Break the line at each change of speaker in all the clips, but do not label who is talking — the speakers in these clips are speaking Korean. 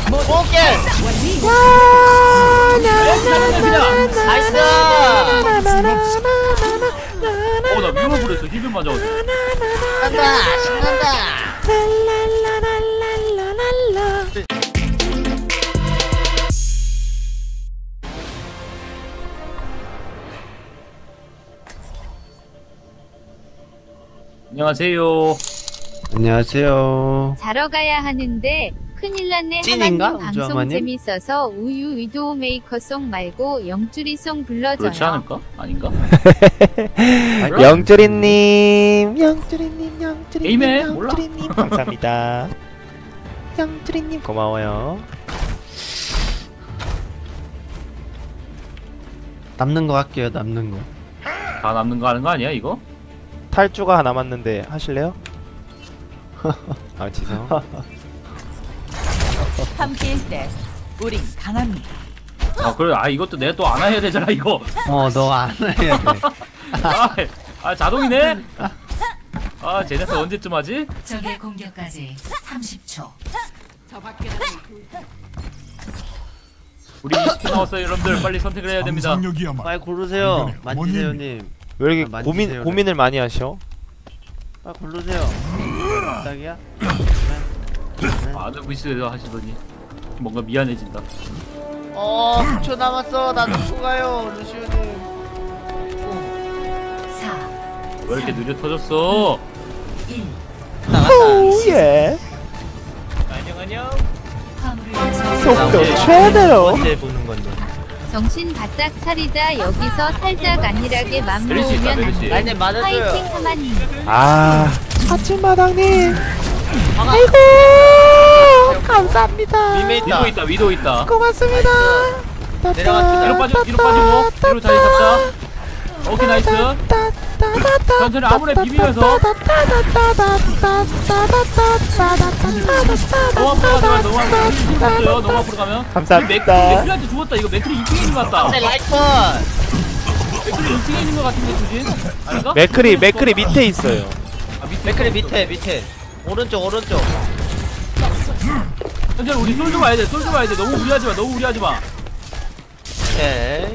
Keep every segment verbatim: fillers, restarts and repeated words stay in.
오케이. 나이스.
어나 위로 부렸어. 힐을 맞아.
신난다 신난다.
안녕하세요.
안녕하세요.
자러 가야 하는데 큰일 났네.
찐인가?
하마님 방송
우주하마님?
재밌어서 우유 위도우 메이커송 말고 영주리송 불러줘요.
그렇지 않을까? 아닌가?
영주리님, 영주리님, 영주리님,
게임해? 몰라.
영주리님, 감사합니다. 영주리님 고마워요. 남는 거 할게요. 남는 거.
다 남는 거 하는 거 아니야 이거?
탈주가 남았는데 하실래요? 아 죄송.
함께일 때 우린 강합니다.
아 그래. 아 이것도 내가 또 안 해야 되잖아 이거.
어, 너 안 해야 돼.
아, 아 자동이네. 아 쟤네들 언제쯤 하지?
적의 공격까지 삼십 초.
우리 이십 초 나왔어요 여러분들. 빨리 선택을 해야 됩니다.
빨리 고르세요. 만지세요님.
왜 이렇게
아,
고민
만지세요,
고민을 많이 하셔?
빨리 고르세요. 딱이야?
안 하고 있어요 하시더니 뭔가 미안해진다.
어 구 초 남았어. 나 놓고 가요 루시오님.
사,
왜 이렇게 느려 터졌어?
일.
나갔다.
예.
안녕 안녕.
화물을
속도
네.
최대로.
언제 보는 건데?
정신 바짝 차리자. 여기서 살짝 안일하게 맘
메르시 있다,
놓으면
메르시.
안 돼.
라인님 맞아줘요.
파이팅 하마님.
아 아침마당님.
방아.
아이고 감사합니다.
림에 있다.
위도 있다 위도 있다.
고맙습니다.
내려갑시다.
뒤로 빠져 뒤로 빠지고 뒤로 자리 잡자. 오케이 나이스. 천천히 아무래 비비면서 너무 앞으로 가면 너무 앞으로 죽었어요. 너무 앞으로 가면
감사합니다.
맥클한테 죽었다. 이거 맥클이 이 층에 있는 것 같다.
네 라이컨.
맥클이 이 층에 있는 것 같은데 주진? 아닌가?
맥크리 맥크리 밑에 있어요.
아, 밑에
맥크리 밑에 밑에. 오른쪽 오른쪽.
천천히 우리 솔좀 와야 돼. 솔좀 와야 돼. 너무 무리하지 마. 너무 무리하지 마.
오케이.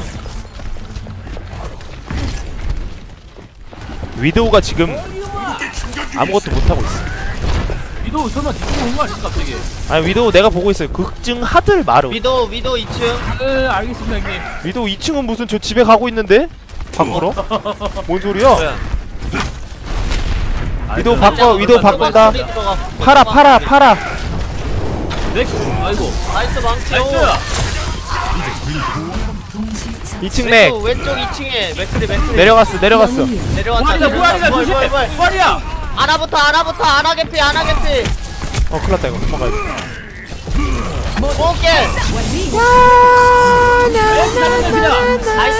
위도우가 지금 아무것도 못 하고 있어.
위도 설마 뒤쪽으로 온거 아니지 갑자기?
아니 위도우 내가 보고 있어요. 극증 하들 마루.
위도 위도 이 층.
네 알겠습니다 형님.
위도우 이 층은 무슨 저 집에 가고 있는데? 밖으로? 뭔 소리야? 위도우 바꿔, 위도우 바꾼다. 팔아, 팔아, 팔아.
맥 아이고
나이스 망치.
나이스.
이 층 맥.
왼쪽, 왼쪽 이 층에 맥크리 맥크리.
내려갔어, 내려갔어.
내려왔다.
부활이다 부활이다
뭘,
조심.
뭘, 뭘.
부활이야.
아나부터 아나부터 아나 개피 아나 개피.
어, 큰일 났다, 이거. 도망가야 돼.
오케이. 나이스.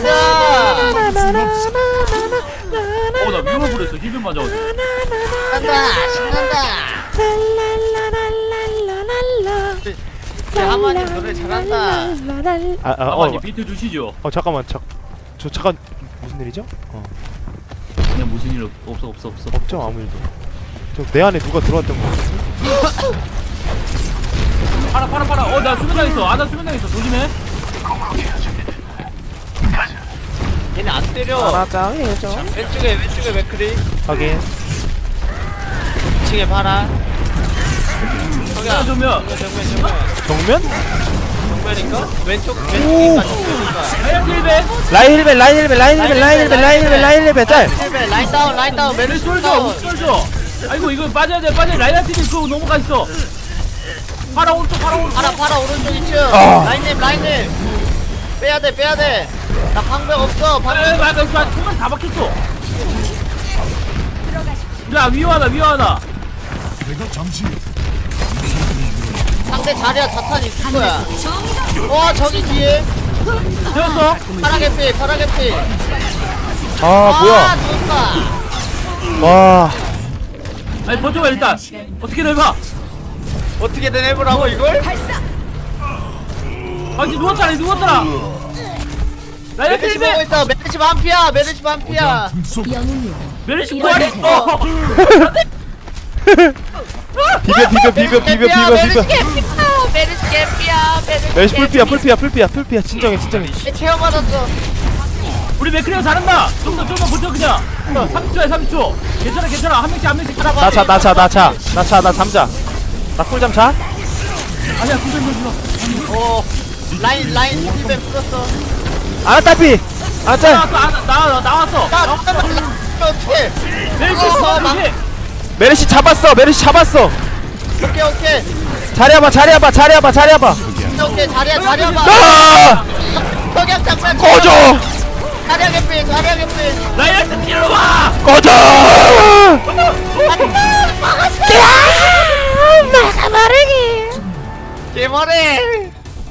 어나 위로 부렸어. 힐을 맞아.
신난다 신난다. 하마님 노래 잘한다.
아, 아, 어,
아버님 비트 주시죠.
어, 잠깐만, 자, 저, 잠깐. 무슨 일이죠? 어,
그냥 무슨 일 없- 없어 없어 없어.
없죠, 아무 일도. 저, 내 안에 누가 들어왔던 거 같은데?
팔아 팔아 팔아. 어나 수면 당했어. 아나 수면 당했어. 조심해.
얘네 안 때려.
알아자, 해줘.
왼쪽에 왼쪽에 맥크리.
확인.
이 층에 봐라.
하나 주면.
정면 정면.
정면?
정면인가? 왼쪽 왼쪽인가 정면인가?
하얀 힐백.
라인 힐벨, 라인 힐벨, 라인 힐벨, 라인 힐벨, 라인 힐벨, 라인 힐벨, 짤!
힐베 라인 다운 라인 다운
메르
메르시
솔져.
다운.
솔져. 아이고 이거 빠져야 돼. 빠져. 라이언 팀이 그거 넘어가 있어. 팔아 오른쪽 팔아 오른쪽.
파라 파라 오른쪽 이 층.
아.
라인님 라인님. 빼야 돼 빼야 돼. 나 방벽 없어.
에이
방벽.
맞아 맞아. 총알 다 박혔어. 야 위험하다 위험하다.
상대 자리야 자탄 있을 거야. 와 저기 뒤에.
되었어.
파라 개피 파라 개피.
아, 뭐야.
좋다.
와.
아니 버텨봐 일단. 어떻게든 해봐.
어떻게든 해보라고 이걸?
아니 누웠잖아 누웠잖아. 라이언
메르시 보고
팀이
있어. 메르시 반피야. 메르시 반피야.
메르시 부활했어.
비벼, 비벼, 비벼, 비벼, 비벼,
메르시
비벼.
개피야. 메르시
메르시 풀피야 풀피야 풀피야 풀피야 진정해 진정해.
체험 받았어.
우리 맥크리가 잘한다. 좀 더 좀 더 버텨 그냥. 삼십 초야 삼십 초. 괜찮아 괜찮아. 한 명씩 한 명씩 하나 봐.
나차 나차 나차 나차 나 잠자. 나 꿀잠 자.
아니야 구전 좀 불러.
어 라인 라인 힐벤 풀었어.
아나 딸피. 아 짤.
나왔어 아, 나, 나 나왔어.
나 잠깐만 어떻게?
메르시
어,
메르시.
메르시 잡았어 메르시 잡았어.
오케이 오케이
자리야봐 자리야봐 자리야봐 자리야봐.
오케이 자리야 자리야 봐.
아!
석양 장면.
꺼져
자리야 개피 자리야 개피.
라이언스 뒤로 와.
꺼져.
개머리.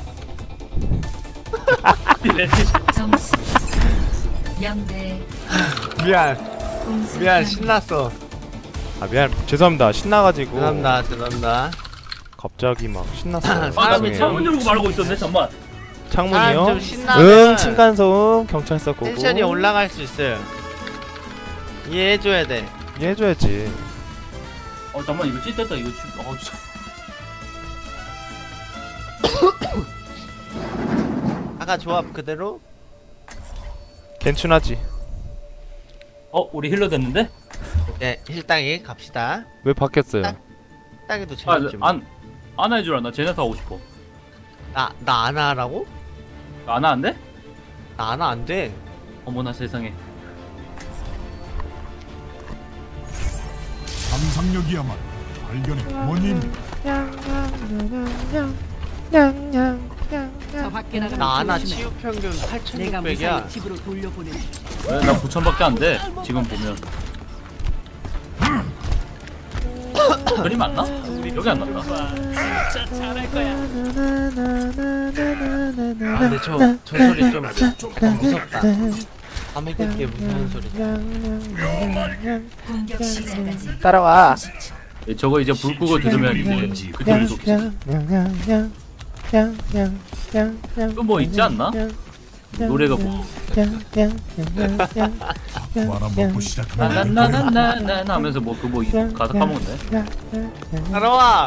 점수 영 대
미안
공수
미안
변경.
신났어.
아 미안 죄송합니다 신나가지고.
죄송합니다 죄송합니다.
갑자기 막 신났어요.
사람이
아, 창문 열고 말고 있었네 잠만.
사람
창문이요?
좀 신나면
응 층간소음 경찰서 고고.
텐션이 올라갈 수 있어요. 이해해줘야 돼.
이해해줘야지.
어 잠만 이거 찢었다 이거 지- 어 진짜.
아까 조합 그대로?
괜춘하지.
어 우리 힐러 됐는데?
네 힐땅이 갑시다.
왜 바뀌었어요?
땅이도 재밌지 뭐.
아안 안아 해주라. 나 제네타 하고 싶어.
나나 안 하라고?
안아 안 돼?
나 안 하 안 돼.
어머나 세상에.
상상력이야말로 발견의 원인.
나 안 하 치유 평균 팔천육백이야.
왜? 나 구천밖에 안 돼. 지금 보면. 그림 안 나? 여기 안 났다.
아 근데 저, 저 소리 좀 무섭다. 밤에 듣기에 무서운 소리.
공격 시작까지
따라와.
예, 저거 이제 불 끄고 들으면 이제 그들을 좋지. 또 뭐 있지 않나? 노래가 뭐
바람 먹고 시작하면
나나나나나 하면서 뭐 그 뭐 가사 까먹었네.
따라와.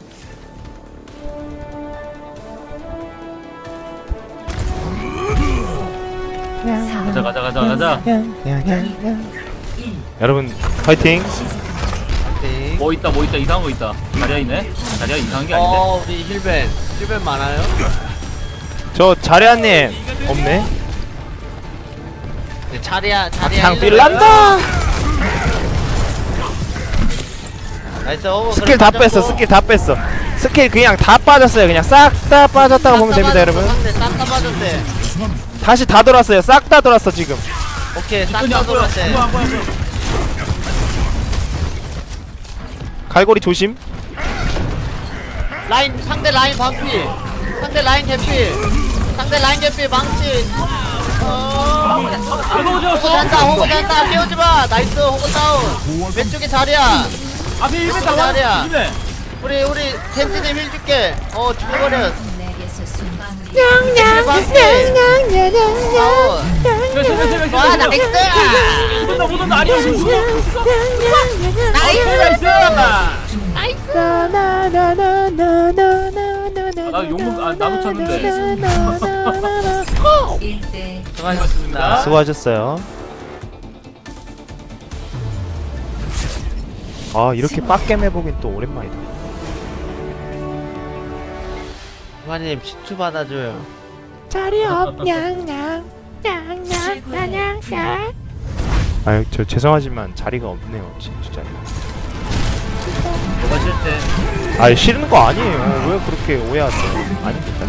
가자 가자 가자 가자.
여러분 파이팅.
네.
뭐 있다 뭐 있다 이상한 거 있다. 자리야 있네. 자리야 이상한 게 아닌데.
어 우리 힐벤 힐벤 많아요?
저 자리아님 없네.
네, 자리야 자리야.
장
힐벤.
빌란다.
나이스. 어,
스킬
그럼
다
빠졌고.
뺐어 스킬 다 뺐어. 스킬 그냥 다 빠졌어요. 그냥 싹 다 빠졌다고 보면 됩니다 여러분.
싹다 빠졌대.
다시 다 돌았어요. 싹 다 돌았어 지금.
오케이 싹
안
다
보여.
돌았대.
안 보여 안 보여 안 보여.
갈고리 조심.
라인 상대 라인 반피. 상대 라인 개피. 상대 라인 개피 망치. 어.
이거
호구
오졌어.
잔다 호구 잔다 깨우지 마. 나이스 호구 다운. 왼쪽에 자리야.
앞에 일배
자리야.
나와. 일배.
우리 우리 텐트님 힐 줄게. 어 죽어버려.
내게서 순간
와 나이스.
못온다 못온다 아니야.
나이스.
나이스. 나 용문 아 나도 찾는데.
일 대
수고하셨습니다.
수고하셨어요. 아 이렇게 빡겜 해보긴 또 오랜만이다.
후아님 시추 받아줘요.
자리 없냥냥 냥냥냥냥. 아유 저 죄송하지만 자리가 없네요 진짜 자리.
뭐가 싫대?
아 싫은 거 아니에요. 왜 그렇게 오해하세요? 아닙니다.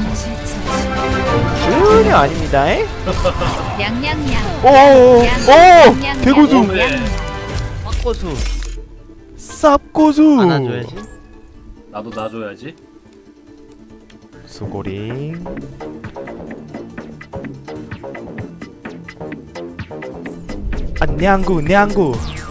전혀 아닙니다. 에?
냥냥냥.
오오오 개고수
빡고수
쌉고수
안아줘야지.
나도 놔줘야지.
수고리. 아 냥구 냥구